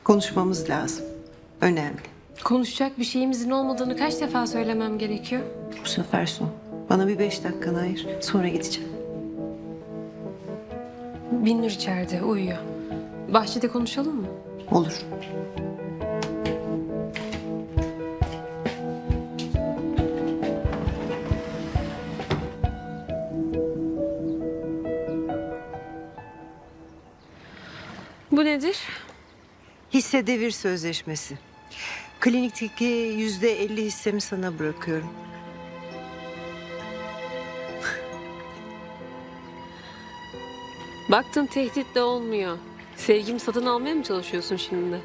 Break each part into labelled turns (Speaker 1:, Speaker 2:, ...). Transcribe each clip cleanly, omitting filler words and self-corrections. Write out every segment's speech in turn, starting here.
Speaker 1: Konuşmamız lazım. Önemli.
Speaker 2: Konuşacak bir şeyimizin olmadığını kaç defa söylemem gerekiyor?
Speaker 1: Bu sefer son. Bana bir 5 dakikanı ayır. Sonra gideceğim.
Speaker 2: Binnur içeride uyuyor. Bahçede konuşalım mı?
Speaker 1: Olur.
Speaker 2: Bu nedir?
Speaker 1: Hisse devir sözleşmesi. Klinikteki %50 hissemi sana bırakıyorum.
Speaker 2: Baktım tehdit de olmuyor. Sevgimi satın almaya mı çalışıyorsun şimdi?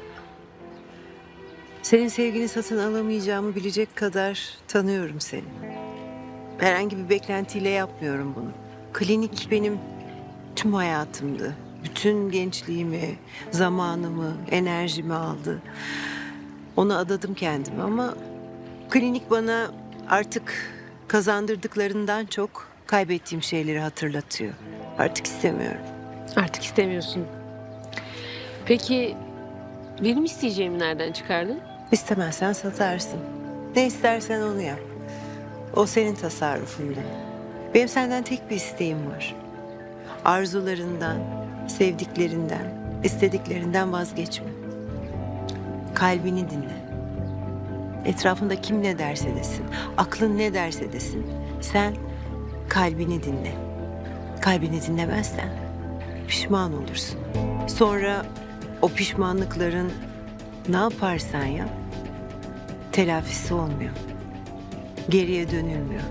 Speaker 1: Senin sevgini satın alamayacağımı bilecek kadar tanıyorum seni. Herhangi bir beklentiyle yapmıyorum bunu. Klinik benim tüm hayatımdı. Bütün gençliğimi, zamanımı, enerjimi aldı. Ona adadım kendimi ama klinik bana artık kazandırdıklarından çok kaybettiğim şeyleri hatırlatıyor. Artık istemiyorum.
Speaker 2: Artık istemiyorsun. Peki benim isteyeceğimi nereden çıkardın?
Speaker 1: İstemezsen satarsın. Ne istersen onu yap. O senin tasarrufunda. Benim senden tek bir isteğim var. Arzularından, sevdiklerinden, istediklerinden vazgeçme. Kalbini dinle. Etrafında kim ne derse desin, aklın ne derse desin. Sen kalbini dinle. Kalbini dinlemezsen pişman olursun. Sonra o pişmanlıkların ne yaparsan yap, telafisi olmuyor. Geriye dönülmüyor.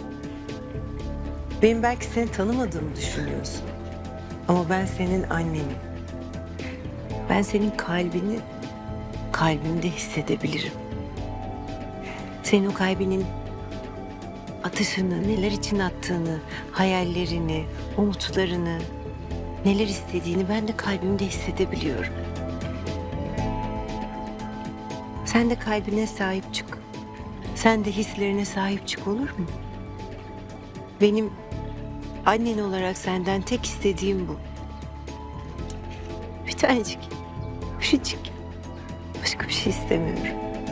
Speaker 1: Benim belki seni tanımadığımı düşünüyorsun. Ama ben senin annenim. Ben senin kalbini kalbimde hissedebilirim. Senin o kalbinin atışını, neler için attığını, hayallerini, umutlarını, neler istediğini ben de kalbimde hissedebiliyorum. Sen de kalbine sahip çık. Sen de hislerine sahip çık, olur mu? Benim annen olarak senden tek istediğim bu. Bir tanecik, küçücük. Başka bir şey istemiyorum.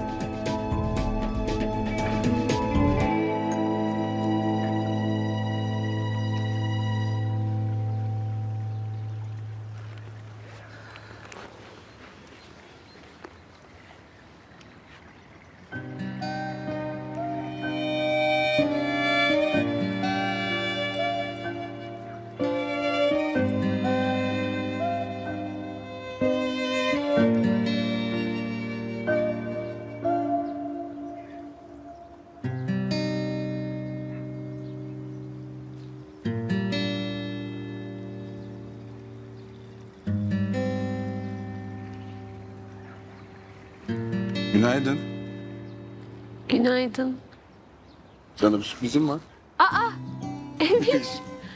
Speaker 3: Günaydın.
Speaker 2: Günaydın.
Speaker 3: Sana bir sürprizim var.
Speaker 2: Emir.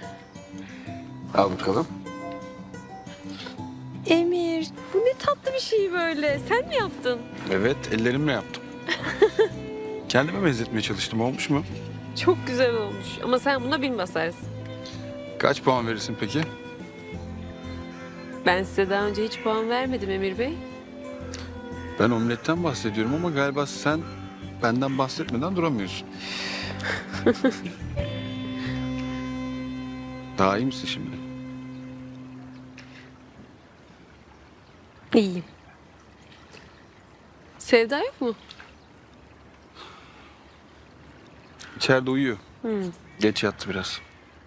Speaker 3: Al bakalım.
Speaker 2: Emir. Bu ne tatlı bir şey böyle. Sen mi yaptın?
Speaker 3: Evet, ellerimle yaptım. Kendime benzetmeye çalıştım. Olmuş mu?
Speaker 2: Çok güzel olmuş. Ama sen buna bin basarsın.
Speaker 3: Kaç puan verirsin peki?
Speaker 2: Ben size daha önce hiç puan vermedim Emir Bey.
Speaker 3: Ben omletten bahsediyorum ama galiba sen benden bahsetmeden duramıyorsun. Daha iyi misin şimdi?
Speaker 2: İyiyim. Sevda yok mu?
Speaker 3: İçeride uyuyor. Geç yattı biraz.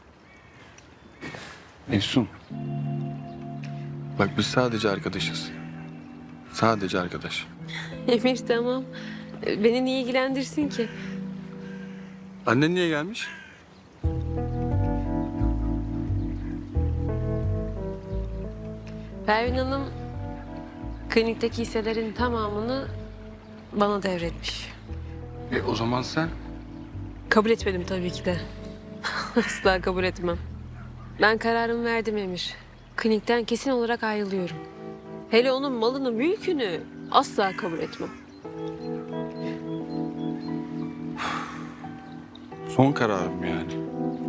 Speaker 3: Efsun. Bak biz sadece arkadaşız. Sadece arkadaş.
Speaker 2: Emir tamam. Beni niye ilgilendirsin ki?
Speaker 3: Annen niye gelmiş?
Speaker 2: Pervin Hanım klinikteki hisselerin tamamını bana devretmiş.
Speaker 3: O zaman sen?
Speaker 2: Kabul etmedim tabii ki de. Asla kabul etmem. Ben kararımı verdim Emir. Klinikten kesin olarak ayrılıyorum. Hele onun malını, mülkünü asla kabul etmem.
Speaker 3: Son kararım yani.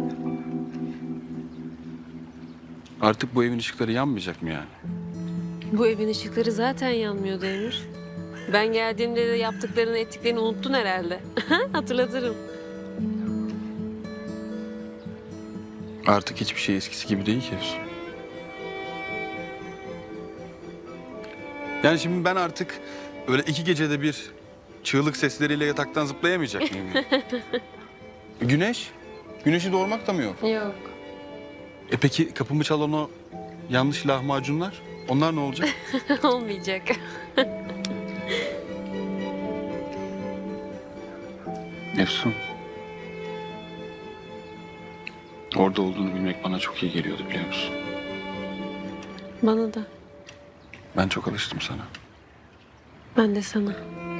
Speaker 3: Artık bu evin ışıkları yanmayacak mı yani?
Speaker 2: Bu evin ışıkları zaten yanmıyordu Emir. Ben geldiğimde de yaptıklarını ettiklerini unuttun herhalde. Hatırlatırım.
Speaker 3: Artık hiçbir şey eskisi gibi değil ki Efsun. Yani şimdi ben artık öyle 2 gecede bir çığlık sesleriyle yataktan zıplayamayacak mıyım? Yani? Güneş? Güneşi doğurmak da mı yok?
Speaker 2: Yok.
Speaker 3: Peki kapımı çalan o yanlış lahmacunlar? Onlar ne olacak?
Speaker 2: Olmayacak.
Speaker 3: Efsun. Orada olduğunu bilmek bana çok iyi geliyordu biliyor musun?
Speaker 2: Bana da.
Speaker 3: Ben çok alıştım sana.
Speaker 2: Ben de sana.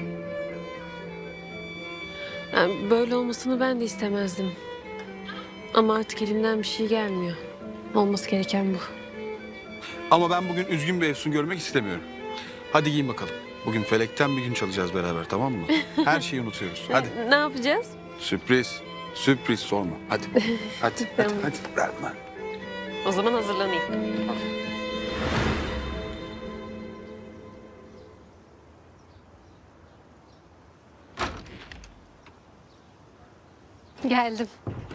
Speaker 2: Yani böyle olmasını ben de istemezdim. Ama artık elimden bir şey gelmiyor. Olması gereken bu.
Speaker 3: Ama ben bugün üzgün bir Efsun görmek istemiyorum. Hadi giyin bakalım. Bugün felekten bir gün çalacağız beraber, tamam mı? Her şeyi unutuyoruz. Hadi.
Speaker 2: Ne yapacağız?
Speaker 3: Sürpriz. Sürpriz sorma. Hadi. Hadi. Hadi.
Speaker 2: Tamam.
Speaker 3: Hadi. Verme.
Speaker 2: O zaman hazırlanayım. Geldim.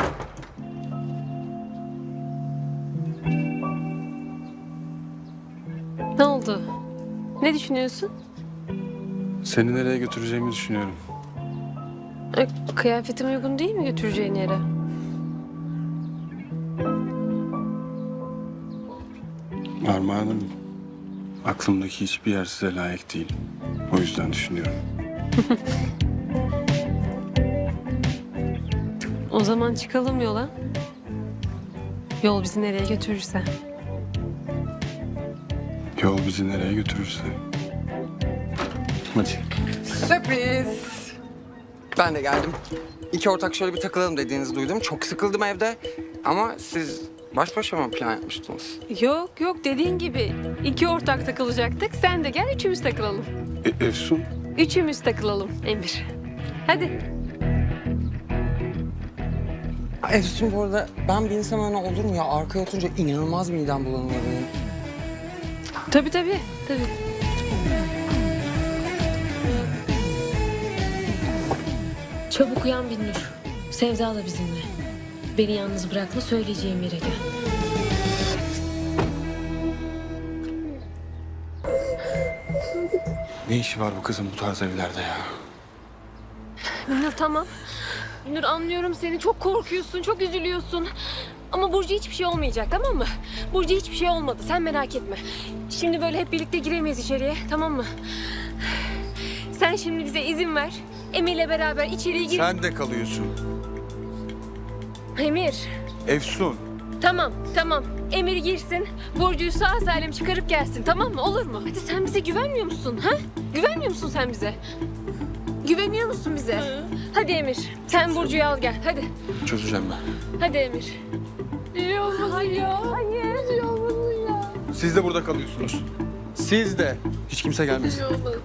Speaker 2: Ne oldu? Ne düşünüyorsun?
Speaker 3: Seni nereye götüreceğimi düşünüyorum.
Speaker 2: Kıyafetim uygun değil mi götüreceğin yere?
Speaker 3: Armağanım, aklımdaki hiçbir yer size layık değil. O yüzden düşünüyorum.
Speaker 2: O zaman çıkalım yola. Yol bizi nereye götürürse.
Speaker 3: Yol bizi nereye götürürse. Hadi.
Speaker 4: Sürpriz. Ben de geldim. İki ortak şöyle bir takılalım dediğinizi duydum. Çok sıkıldım evde. Ama siz baş başa mı plan yapmıştınız?
Speaker 2: Yok yok dediğin gibi 2 ortak takılacaktık. Sen de gel üçümüz takılalım.
Speaker 3: Efsun,
Speaker 2: Üçümüz takılalım Emir. Hadi.
Speaker 4: Efsun bu arada ben bir insan öyle olur mu ya? Arkaya oturunca inanılmaz midem bulanıyor benim.
Speaker 2: Tabii tabii. Tabii. Çabuk uyan Binnur. Sevda da bizimle. Beni yalnız bırakma, söyleyeceğim yere gel.
Speaker 3: ne işi var bu kızın bu tarz evlerde ya?
Speaker 2: Binnur tamam. Binnur anlıyorum seni. Çok korkuyorsun, çok üzülüyorsun. Ama Burcu hiçbir şey olmayacak, tamam mı? Burcu hiçbir şey olmadı, sen merak etme. Şimdi böyle hep birlikte giremeyiz içeriye, tamam mı? Sen şimdi bize izin ver. Emir'le beraber içeriye gir.
Speaker 3: Sen de kalıyorsun.
Speaker 2: Emir,
Speaker 3: Efsun.
Speaker 2: tamam, tamam. Emir girsin, Burcu'yu sağ salim çıkarıp gelsin, tamam mı? Olur mu? Hadi sen bize güvenmiyor musun, ha? Güvenmiyor musun sen bize? Güveniyor musun bize? Hadi Emir, sen Burcu'yu al gel, hadi.
Speaker 3: Çözeceğim ben.
Speaker 2: Hadi Emir. İyi olmasın ya. Hayır. İyi olmasın ya.
Speaker 3: Siz de burada kalıyorsunuz. Siz de. Hiç kimse gelmesin.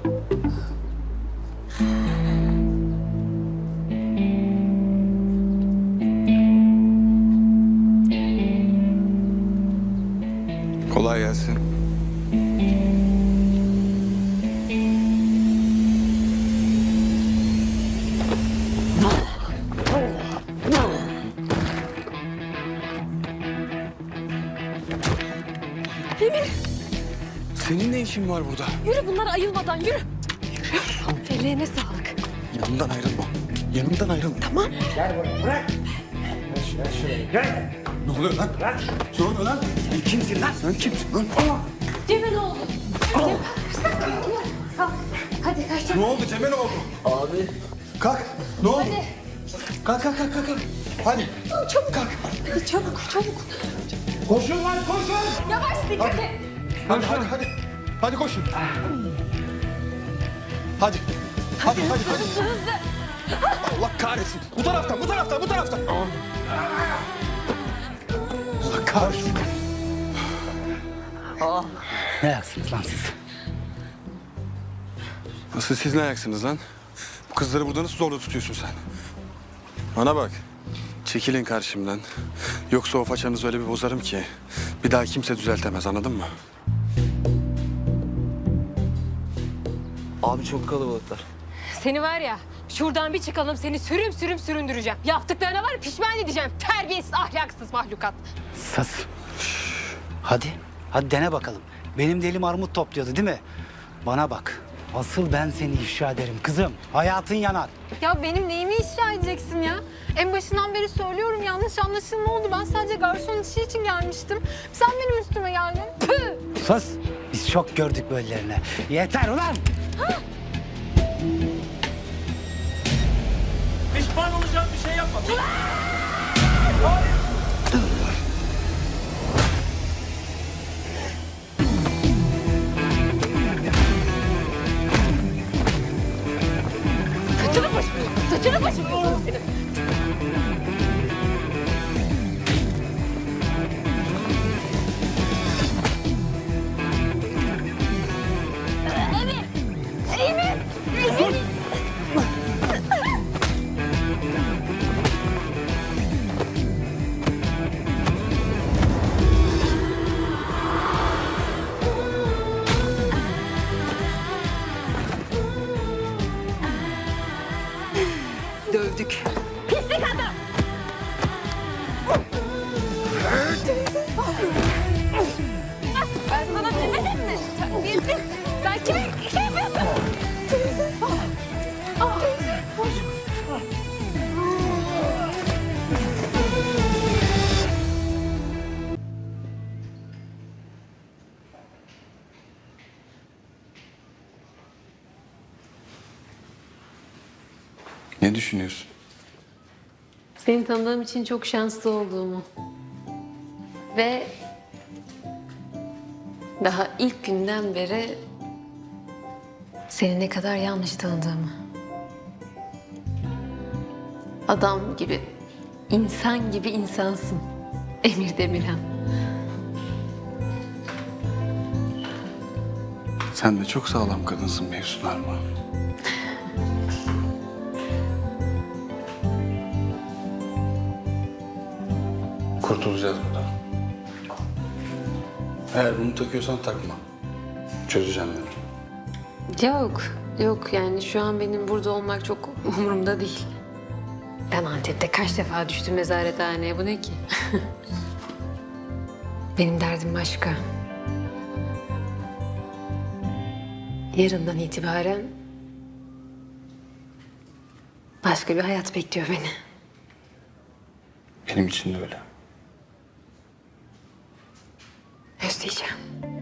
Speaker 3: Kolay gelsin. Senin ne işin var burada?
Speaker 2: Yürü bunlar ayılmadan yürü. Ellerine sağlık.
Speaker 3: Yanımdan ayrılma. Yanımdan ayrılma.
Speaker 2: Tamam.
Speaker 3: Ne oluyor lan? Ne oluyor lan? Sen kimsin lan? Sen kimsin lan?
Speaker 2: Cem'e ne oldu? Cem, kalk. Hadi kaç.
Speaker 3: Ne oldu Cem'e ne oldu? Abi. Kalk. Ne oldu? Kalk kalk kalk kalk. Hadi.
Speaker 2: Çabuk.
Speaker 3: Kalk.
Speaker 2: Hadi çabuk çabuk.
Speaker 3: Koşun lan koşun.
Speaker 2: Yavaş dikkat et.
Speaker 3: Hadi hadi hadi. Hadi koşun. Hadi. Hadi hadi hadi.
Speaker 2: Hızlı.
Speaker 3: Allah kahretsin. Bu taraftan bu taraftan bu taraftan. Allah kahretsin.
Speaker 5: Ne yaksınız lan siz?
Speaker 3: Nasıl siz ne ayaksınız lan? Bu kızları burada nasıl zorla tutuyorsun sen? Bana bak. Çekilin karşımdan. Yoksa o façanızı öyle bir bozarım ki bir daha kimse düzeltemez, anladın mı?
Speaker 6: Abi çok kalabalıklar.
Speaker 2: Seni var ya şuradan bir çıkalım seni sürüm sürüm süründüreceğim. Yaptıklarına var ya pişman edeceğim. Terbiyesiz ahlaksız mahlukat.
Speaker 5: Sus. Hadi. Hadi dene bakalım. Benim de elim armut topluyordu değil mi? Bana bak. Asıl ben seni ifşa ederim kızım. Hayatın yanar.
Speaker 7: Ya benim neyimi ifşa edeceksin ya? En başından beri söylüyorum yanlış anlaşılma oldu. Ben sadece garson işi için gelmiştim. Sen benim üstüme geldin. Püh!
Speaker 5: Sus. Biz çok gördük böylelerine. Yeter ulan.
Speaker 6: Pişman olacağım bir şey yapma.
Speaker 2: Saçını başını yolarım seni.
Speaker 1: Dövdük.
Speaker 7: Ben sana demedim mi? Terbiyesiz. Sen kime şey yapıyorsun? Teyze. Teyze. Hoş.
Speaker 3: Ne düşünüyorsun?
Speaker 2: Seni tanıdığım için çok şanslı olduğumu. Ve daha ilk günden beri seni ne kadar yanlış tanıdığımı. Adam gibi, insan gibi insansın. Emir Demirhan.
Speaker 3: Sen de çok sağlam kadınsın Mevsun Arma. Kurtulacağız buradan. Eğer bunu takıyorsan takma. Çözeceğim ben.
Speaker 2: Yok yani şu an benim burada olmak çok umurumda değil. Ben Antep'te kaç defa düştüm nezarethaneye, bu ne ki? Benim derdim başka. Yarından itibaren başka bir hayat bekliyor beni.
Speaker 3: Benim için de öyle.
Speaker 2: Özleyeceğim.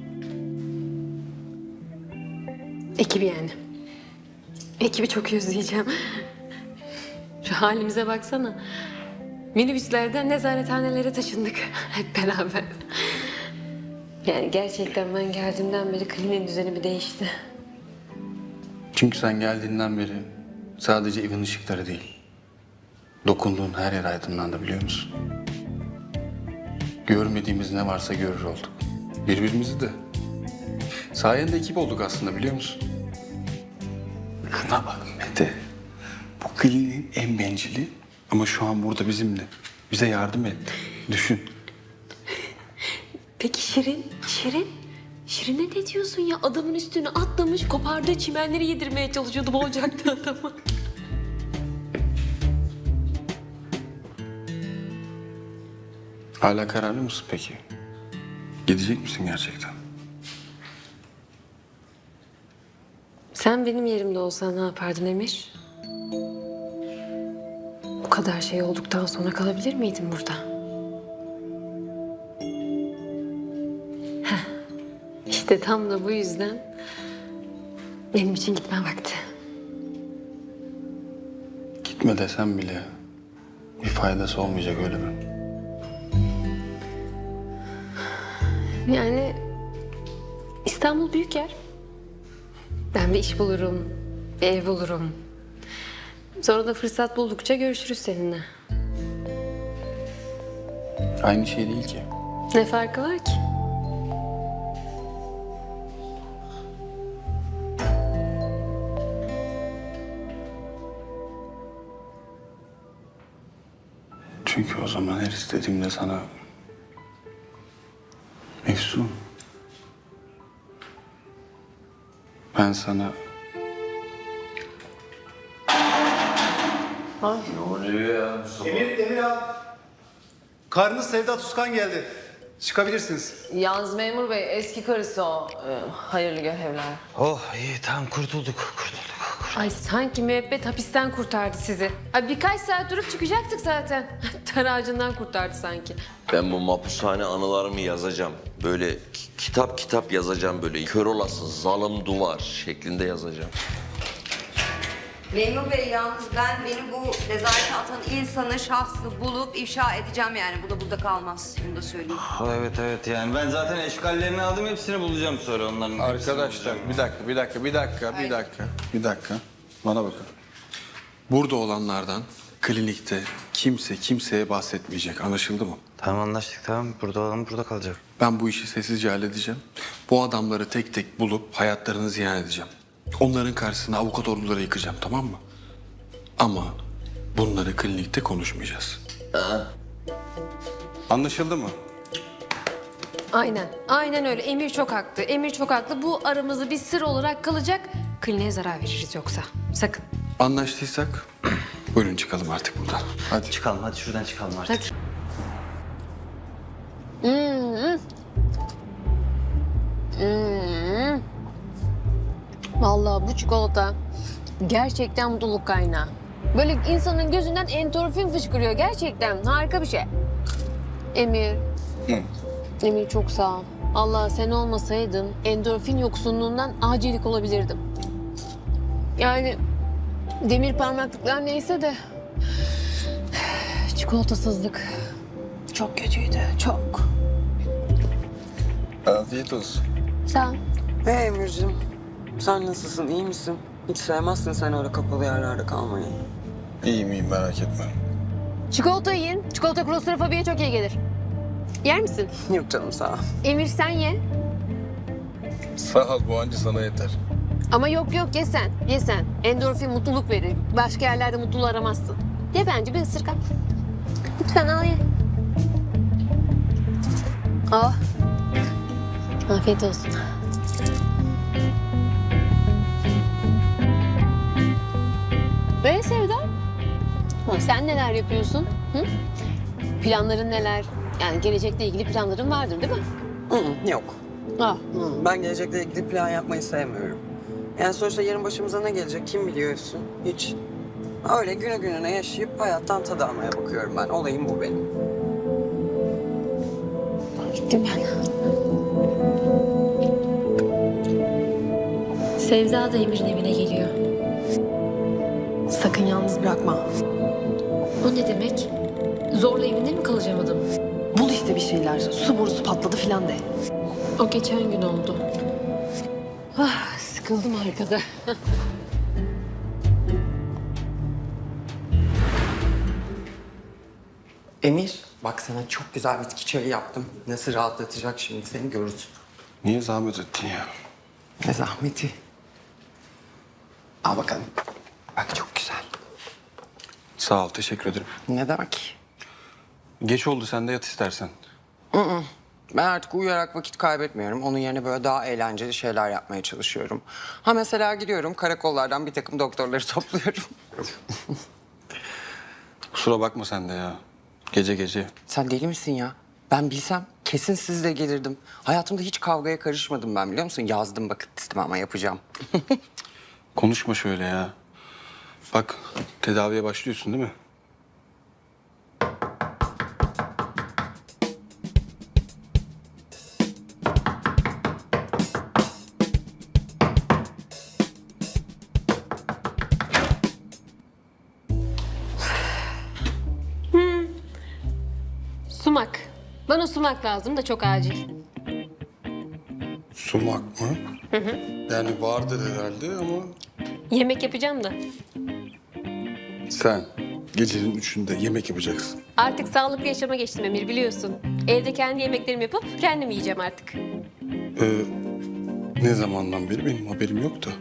Speaker 2: Ekibi yani. Ekibi çok özleyeceğim. Şu halimize baksana. Minibüslerden nezarethanelere taşındık hep beraber. Yani gerçekten ben geldiğimden beri kliniğin düzeni bir değişti.
Speaker 3: Çünkü sen geldiğinden beri sadece evin ışıkları değil, dokunduğun her yer aydınlandı, biliyor musun? Görmediğimiz ne varsa görür olduk. Birbirimizi de. Sayende ekip olduk aslında, biliyor musun? Şuna bak Mete. Bu kliniğin en bencili ama şu an burada bizimle. Bize yardım etti. Düşün.
Speaker 2: Peki Şirin? Şirin'e ne diyorsun ya? Adamın üstüne atlamış, kopardığı çimenleri yedirmeye çalışıyordu, boğacaktı adamı.
Speaker 3: Hala kararlı mısın peki? Gidecek misin gerçekten?
Speaker 2: Sen benim yerimde olsan ne yapardın Emir? Bu kadar şey olduktan sonra kalabilir miydin burada? Heh, İşte tam da bu yüzden benim için gitme vakti.
Speaker 3: Gitme desem bile bir faydası olmayacak, öyle mi?
Speaker 2: Yani İstanbul büyük yer. Ben bir iş bulurum, bir ev bulurum. Sonra da fırsat buldukça görüşürüz seninle.
Speaker 3: Aynı şey değil ki.
Speaker 2: Ne farkı var ki?
Speaker 3: Çünkü o zaman her istediğimde sana... Efsun... Ben sana
Speaker 5: Emir abi. Karınız Sevda Tuzkan geldi. Çıkabilirsiniz.
Speaker 8: Yalnız memur bey eski karısı o. Hayırlı görevler.
Speaker 5: Oh iyi tamam kurtulduk.
Speaker 2: Ay sanki müebbet hapisten kurtardı sizi. Ay birkaç saat durup çıkacaktık zaten. Dar ağacından kurtardı sanki.
Speaker 9: Ben bu mapushane anılarımı yazacağım. Böyle kitap yazacağım böyle. Kör olası zalim duvar şeklinde yazacağım.
Speaker 10: Memur Bey yalnız beni bu nezarete atan insanı, şahsı bulup ifşa edeceğim yani. Bu da burada kalmaz. Bunu da söyleyeyim.
Speaker 6: Evet yani ben zaten eşkallerini aldım hepsini bulacağım sonra onların.
Speaker 3: Arkadaşlar bir dakika. Bana bakın. Burada olanlardan klinikte kimse kimseye bahsetmeyecek. Anlaşıldı mı?
Speaker 6: Tamam anlaştık tamam burada olan burada kalacak.
Speaker 3: Ben bu işi sessizce halledeceğim. Bu adamları tek tek bulup hayatlarını ziyan edeceğim. Onların karşısına avukat orduları yıkacağım, tamam mı? Ama bunları klinikte konuşmayacağız. Anlaşıldı mı?
Speaker 2: Aynen öyle. Emir çok haklı. Bu aramızda bir sır olarak kalacak. Kliniğe zarar veririz yoksa. Sakın.
Speaker 3: Anlaştıysak buyurun çıkalım artık buradan. Hadi.
Speaker 6: Çıkalım hadi şuradan çıkalım artık.
Speaker 2: Hadi. Vallahi bu çikolata gerçekten mutluluk kaynağı. Böyle insanın gözünden endorfin fışkırıyor gerçekten. Harika bir şey. Emir. Emir çok sağ ol. Allah sen olmasaydın endorfin yoksunluğundan acilik olabilirdim. Yani demir parmaklıklar neyse de çikolatasızlık çok kötüydü. Çok.
Speaker 3: Afiyet olsun.
Speaker 2: Sağ ol.
Speaker 4: Hey Emir'cim, sen nasılsın, iyi misin? Hiç sevmezsin sen öyle kapalı yerlerde kalmayı.
Speaker 3: İyiyim merak etme.
Speaker 2: Çikolata yiyin. Çikolata klostrofobiye çok iyi gelir. Yer misin?
Speaker 4: Yok canım sağ ol.
Speaker 2: Emir sen ye.
Speaker 3: Sağ ol bu anca sana yeter.
Speaker 2: Ama yok ye sen. Ye sen. Endorfin mutluluk verir. Başka yerlerde mutluluğu aramazsın. Ye bence bir ısırık al. Lütfen al ye. Oh. Afiyet olsun. Sevda. Sen neler yapıyorsun? Hı? Planların neler? Yani gelecekle ilgili planların vardır değil mi?
Speaker 4: Yok.
Speaker 2: Ah.
Speaker 4: Ben gelecekle ilgili plan yapmayı sevmiyorum. Yani sonuçta yarın başımıza ne gelecek kim biliyor Efsun? Hiç. Öyle günü gününe yaşayıp hayattan tad almaya bakıyorum ben. Olayım bu benim.
Speaker 2: Gittim ben. Sevda da Emir'in evine geliyor.
Speaker 8: Sakın yalnız bırakma.
Speaker 2: O ne demek? Zorla evinde mi kalacağım adamın?
Speaker 8: Bul işte bir şeyler. Su borusu patladı filan de.
Speaker 2: O geçen gün oldu. Ah, sıkıldım arkada.
Speaker 4: Emir, bak sana çok güzel bitki çayı yaptım. Nasıl rahatlatacak şimdi seni görürsün.
Speaker 3: Niye zahmet ettin ya?
Speaker 4: Ne zahmeti. Al bakalım. Bak çok güzel.
Speaker 3: Sağ ol teşekkür ederim.
Speaker 4: Ne demek?
Speaker 3: Geç oldu sen de yat istersen.
Speaker 4: Ben artık uyuyarak vakit kaybetmiyorum. Onun yerine böyle daha eğlenceli şeyler yapmaya çalışıyorum. Ha mesela gidiyorum karakollardan bir takım doktorları topluyorum.
Speaker 3: Kusura bakma sen de ya. Gece.
Speaker 4: Sen deli misin ya? Ben bilsem kesin siz de gelirdim. Hayatımda hiç kavgaya karışmadım ben biliyor musun? Yazdım bakın listeme ama yapacağım.
Speaker 3: Konuşma şöyle ya. Bak tedaviye başlıyorsun değil mi?
Speaker 2: Sumak. Bana sumak lazım da çok acil.
Speaker 3: Sumak mı? Yani vardır herhalde ama...
Speaker 2: Yemek yapacağım da.
Speaker 3: Sen gecenin 3'ünde yemek yapacaksın.
Speaker 2: Artık sağlıklı yaşama geçtim Emir biliyorsun. Evde kendi yemeklerimi yapıp kendim yiyeceğim artık.
Speaker 3: Ne zamandan beri benim haberim yoktu.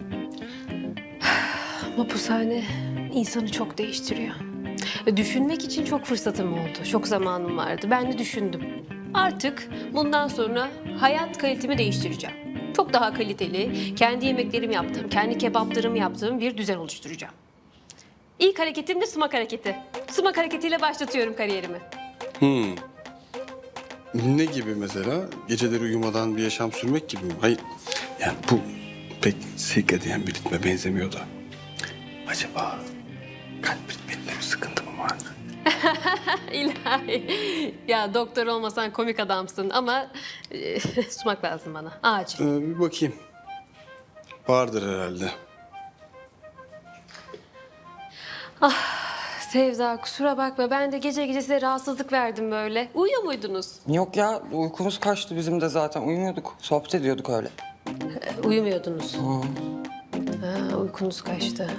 Speaker 2: Mapushane insanı çok değiştiriyor. Düşünmek için çok fırsatım oldu. Çok zamanım vardı. Ben de düşündüm. Artık bundan sonra hayat kalitemi değiştireceğim. Çok daha kaliteli, kendi yemeklerimi yaptığım, kendi kebaplarımı yaptığım bir düzen oluşturacağım. İlk hareketim de sumak hareketi. Sumak hareketiyle başlatıyorum kariyerimi.
Speaker 3: Ne gibi mesela? Geceleri uyumadan bir yaşam sürmek gibi mi? Hayır. Yani bu pek sirkadiyen bir ritme benzemiyor da. Acaba kalp ritminde bir sıkıntı mı var?
Speaker 2: İlahi. Ya doktor olmasan komik adamsın ama sumak lazım bana. Acil.
Speaker 3: Bir bakayım. Vardır herhalde.
Speaker 2: Sevda kusura bakma ben de gece gece size rahatsızlık verdim böyle. Uyuyor muydunuz?
Speaker 4: Yok ya uykumuz kaçtı bizim de zaten. Uyumuyorduk. Sohbet ediyorduk öyle.
Speaker 2: Uyumuyordunuz. Ha, uykunuz kaçtı.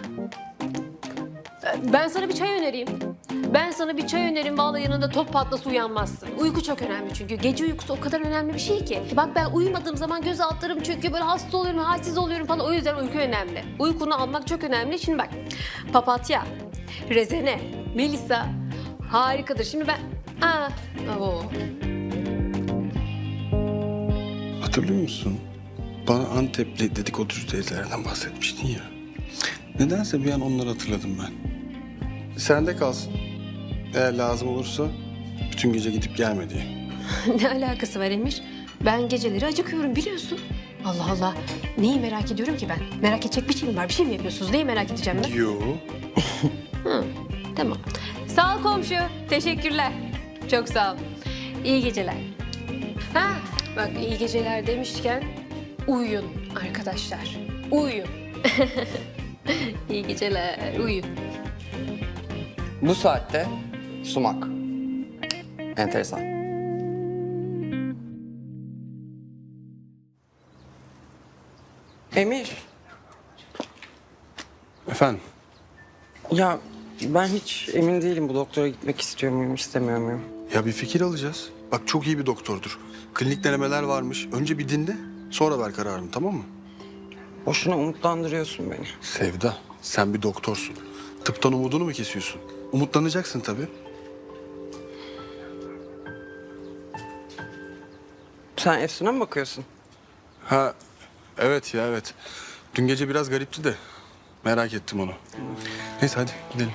Speaker 2: Ben sana bir çay önereyim. Vallahi yanında top patlası uyanmazsın. Uyku çok önemli çünkü. Gece uykusu o kadar önemli bir şey ki. Bak ben uyumadığım zaman göz altlarım çöküyor, böyle hasta oluyorum, halsiz oluyorum falan. O yüzden uyku önemli. Uykunu almak çok önemli. Şimdi bak, papatya, rezene, melisa harikadır. Şimdi ben...
Speaker 3: Hatırlıyor musun? Bana Antepli dedikoducu teyzelerden bahsetmiştin ya. Nedense bir an onları hatırladım ben. Sende kalsın. Eğer lazım olursa bütün gece gidip gelme diye.
Speaker 2: Ne alakası var Emir? Ben geceleri acıkıyorum biliyorsun. Allah Allah. Neyi merak ediyorum ki ben? Merak edecek bir şey mi var? Bir şey mi yapıyorsunuz? Neyi merak edeceğim ben?
Speaker 3: Yo.
Speaker 2: Tamam. Sağ ol komşu. Teşekkürler. Çok sağ ol. İyi geceler. Ha, bak iyi geceler demişken uyuyun arkadaşlar. Uyuyun. İyi geceler. Uyuyun.
Speaker 4: Bu saatte sumak. Enteresan. Emir,
Speaker 3: Efendim?
Speaker 4: ya ben hiç emin değilim bu doktora gitmek istiyor muyum, istemiyor muyum?
Speaker 3: Ya bir fikir alacağız. Bak çok iyi bir doktordur. Klinik denemeler varmış. Önce bir dinle, sonra ver kararını, tamam mı?
Speaker 4: Boşuna umutlandırıyorsun beni.
Speaker 3: Sevda, sen bir doktorsun. Tıptan umudunu mu kesiyorsun? Umutlanacaksın tabii.
Speaker 4: Sen Efsun'a mı bakıyorsun?
Speaker 3: Ha, evet ya evet. Dün gece biraz garipti de merak ettim onu. Neyse hadi gidelim.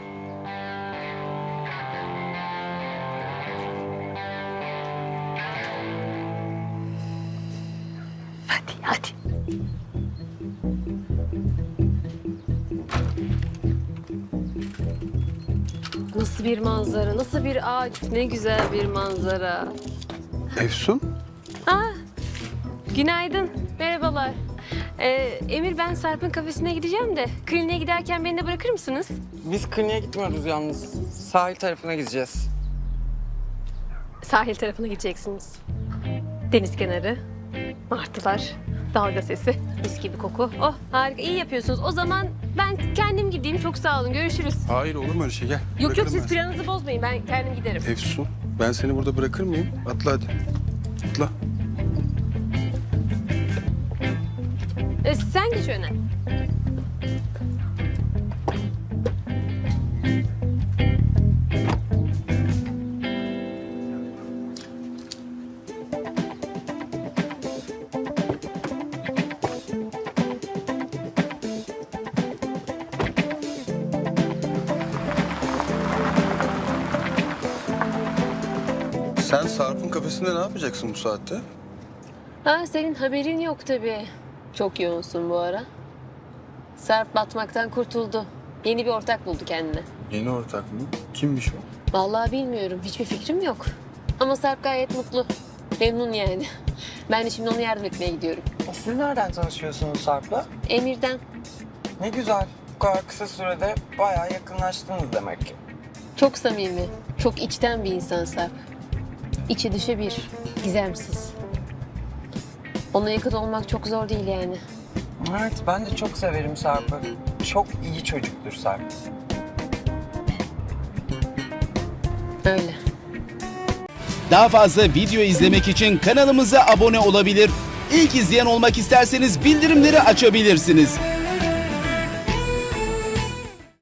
Speaker 2: Hadi. Nasıl bir manzara, nasıl bir ağaç, ne güzel bir manzara.
Speaker 3: Efsun?
Speaker 2: Günaydın, merhabalar. Emir ben Sarp'ın kafesine gideceğim de kliniğe giderken beni de bırakır mısınız?
Speaker 4: Biz kliniğe gitmiyoruz yalnız. Sahil tarafına gideceğiz.
Speaker 2: Sahil tarafına gideceksiniz. Deniz kenarı, martılar, dalga sesi, mis gibi koku. Oh harika, iyi yapıyorsunuz. O zaman ben kendim gideyim. Çok sağ olun, görüşürüz.
Speaker 3: Hayır olur mu öyle şey, gel.
Speaker 2: Yok
Speaker 3: Bırakırım
Speaker 2: siz
Speaker 3: ben seni.
Speaker 2: planınızı bozmayın. Ben kendim giderim.
Speaker 3: Efsun, ben seni burada bırakır mıyım? Atla hadi. Atla.
Speaker 2: Sen geç öne.
Speaker 3: Sen Sarp'ın kafesinde ne yapacaksın bu saatte?
Speaker 2: Ha senin haberin yok tabii. Çok yoğunsun bu ara. Sarp batmaktan kurtuldu. Yeni bir ortak buldu kendine.
Speaker 3: Yeni ortak mı? Kimmiş o?
Speaker 2: Vallahi bilmiyorum. Hiçbir fikrim yok. Ama Sarp gayet mutlu. Memnun yani. Ben de şimdi ona yardım etmeye gidiyorum.
Speaker 4: Siz nereden tanışıyorsunuz Sarp'la?
Speaker 2: Emir'den.
Speaker 4: Ne güzel. Bu kadar kısa sürede bayağı yakınlaştınız demek ki.
Speaker 2: Çok samimi, çok içten bir insan Sarp. İçi dışı bir, gizemsiz. Ona yakın olmak çok zor değil yani.
Speaker 4: Evet, ben de çok severim Sarp'ı. Çok iyi çocuktur Sarp.
Speaker 2: Öyle.
Speaker 11: Daha fazla video izlemek için kanalımıza abone olabilir. İlk izleyen olmak isterseniz bildirimleri açabilirsiniz.